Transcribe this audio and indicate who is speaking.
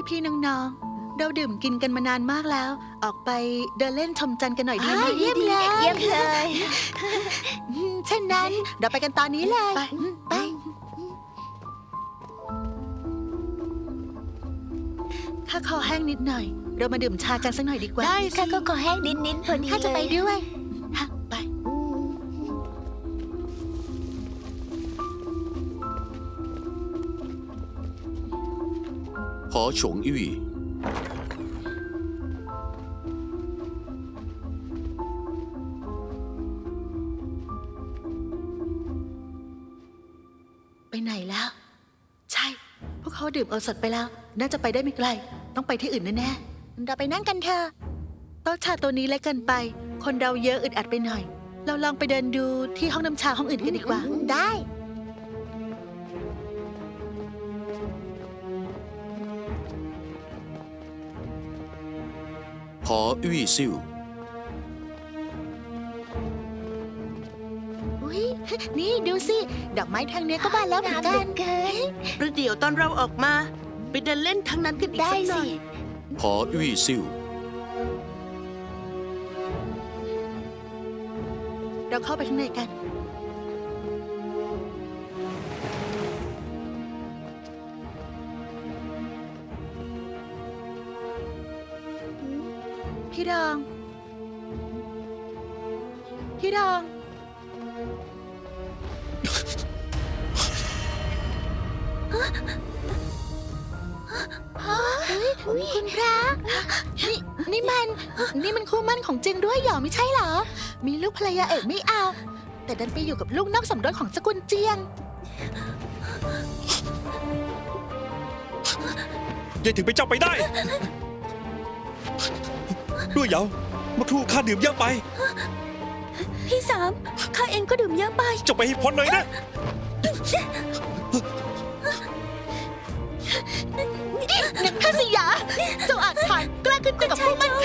Speaker 1: พี่ๆน้องๆเราดื่มกินกันมานานมากแล้ว ออกไปเดินเล่นชมจันทร์กันหน่อยดีไหม
Speaker 2: เยี่ยมเลยเยี่ยมเลย
Speaker 1: เช่นนั้นเราไปกันตอนนี้เลยไปข้าคอแห้งนิดหน่อย เรามาดื่มชากันสักหน่อยดีกว่า
Speaker 2: ได้ข้าก็ขอแห้งนิดๆพอดี
Speaker 1: ข้าจะไปด้วยฮะไป
Speaker 3: หอฉงอี้
Speaker 1: ไปไหนแล้ว ใช่ พวกเขาดื่มโอสถไปแล้ว น่าจะไปได้ไม่ไกล ต้องไปที่อื่นแน่ๆเราไปนั่งกันเถอะโต๊ะชาตัวนี้เล็กเกินไป คนเราเยอะอึดอัดไปหน่อย เราลองไปเดินดูที่ห้องน้ำชาห้องอื่นกันดีกว่า ได้
Speaker 3: หออี้ซิ่ว
Speaker 1: อุ๊ย นี่ดูสิ ดอกไม้ทางเนี้ยก็บานแล้วเหมือนกัน
Speaker 4: ประเดี๋ยวตอนเราออกมา ไปเดินเล่นทางนั้นกันอีก
Speaker 2: ได้
Speaker 4: สักหน่
Speaker 2: สิ
Speaker 4: อย
Speaker 3: หออี้ซิ่ว
Speaker 1: เราเข้าไปข้างในกัน พี่ดอง พี่ดอง คุณพระนี่มันคู่มั่นของจึงด้วยเหรอไม่ใช่เหรอ มีลูกภรรยาเอกไม่เอา แต่ดันไปอยู่กับลูกนอกสมรสของสกุลเจียง
Speaker 5: ยังถึงไปนเจ้าไปได้ ด้วยเหยาเมื่อครู่ข้าดื่มเยอะไป
Speaker 2: พี่สามข้าเองก็ดื่มเยอะไป
Speaker 5: เจ้าไปให้พ้นเลยนะ
Speaker 1: ท่านสยาเจ้าอาจผ่านกล้าขึ้นไปกับผู้มั่น